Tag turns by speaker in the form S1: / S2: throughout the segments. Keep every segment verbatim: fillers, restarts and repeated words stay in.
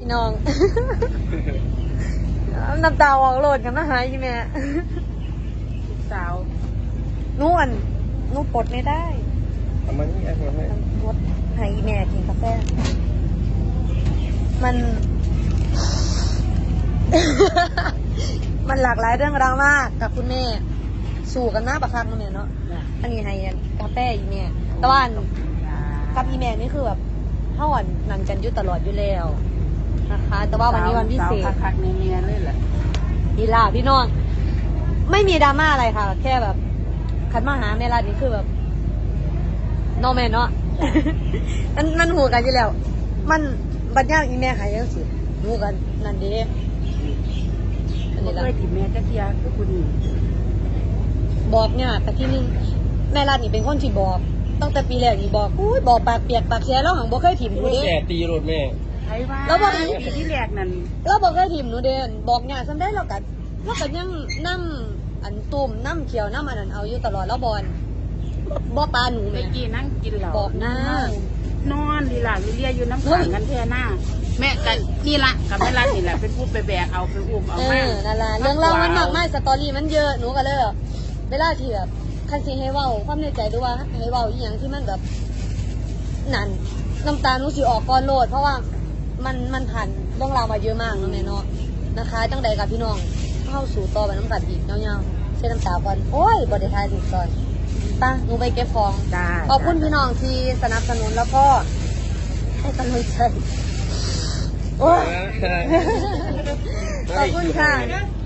S1: พี่น้อง น้ำตาออกโหลดกันมาหายอีแม่
S2: สาว
S1: นู่นนู่นปลดไม่ได้
S3: ทำมันนี่ไอ้คนนี้
S1: ปลดให้อีแม่กินกาแฟมัน มันหลากหลายเรื่องราวมากกับคุณแม่สู่กันมากประคับนั่นแหละเนาะอันนี้ให้กาแฟอีแม่แต่ว่ากับอีแม่นี่คือแบบเฮาอ่อนนั่นกันอยู่ตลอดอยู่แล้วนะคะ แต่ว่าวันนี้วันพิเศษ
S2: สาวคักๆในเมียเลยแหละ
S1: อีลาพี่น้องไม่มีดราม่าอะไรค่ะ แค่แบบคันมาหาแม่รัดนี่คือแบบนอแม่เนาะ มันมันหูกันอยู่แล้ว มันบัดย่างอีแม่หายยังสิหูกันนั่นเด้อัน
S2: บ่
S1: นี้ละ
S2: เคยถิ่มแม่จักเทียคือคุณนี่
S1: บอกเนี่ยแต่ที่นึงแม่รัดนี่เป็นคนที่บอกตั้งแต่ปีแรกนี่บอกอุ้ยบอกปากเปียกปากเสียแล้วหังบ่เคยถิ่มหนูเด้
S3: แก่ตีรถแม่
S2: ไผว่า
S1: แล้วบอก
S2: ปีที่แรกนั่น
S1: เราบอกเคยถิ่มหนูเด้บอกเนี่ยซ้ำได้เรากัดเรากัดยังนั่อันตุ่มน้ำเขียวน้ำอันนั้นเอาอยู่ตลอดแล้วบอลบ่ปลาหนู
S2: เมื่
S1: แม่
S2: อกี้นั่งกินเหล้า
S1: บอกนะ
S2: นอนลีหลาลีเลียอยู่น้ำขังกันแท่หน้า แม่กันนี่ละกับแม่รัดนี่แหละเป็นผู้ไปแบกเอาไปอุ้มเอา
S1: เอ
S2: มา
S1: อนั่นล่ะเรื่องเล่ามันมากมายสตอรี่มันเยอะหนูก็เลยแบบเวลาที่แบบคันสิให้เว้าความในใจหรือว่าให้เว้าอีหยังที่มันแบบนั่นน้ำตาหนูสิออกก่อนโลด เพราะว่ามันมันผ่านเรื่องราวมาเยอะมากเนาะแม่เนาะนะคะจังใดกับพี่น้องเข้าสู่ต่อไปน้ำกัดอีกเงาๆเช็ดน้ำตาก่อนโอ้ยบ่ได้ทายถูกตอนป่ะหนูไปเก็บของ
S2: จ้า
S1: ขอบคุณพี่น้องที่สนับสนุนแล้วก็ให้กำลังใจโอ้ย ขอบคุณค่ะ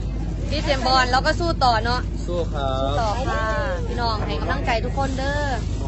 S1: พี่เจมส์บอลแล้วก็สู้ต่อเนาะ
S3: สู้ครั
S1: สู้
S3: บ
S1: ต่อค่ะ พี่น้องให้กำลังใจทุกคนเด้อ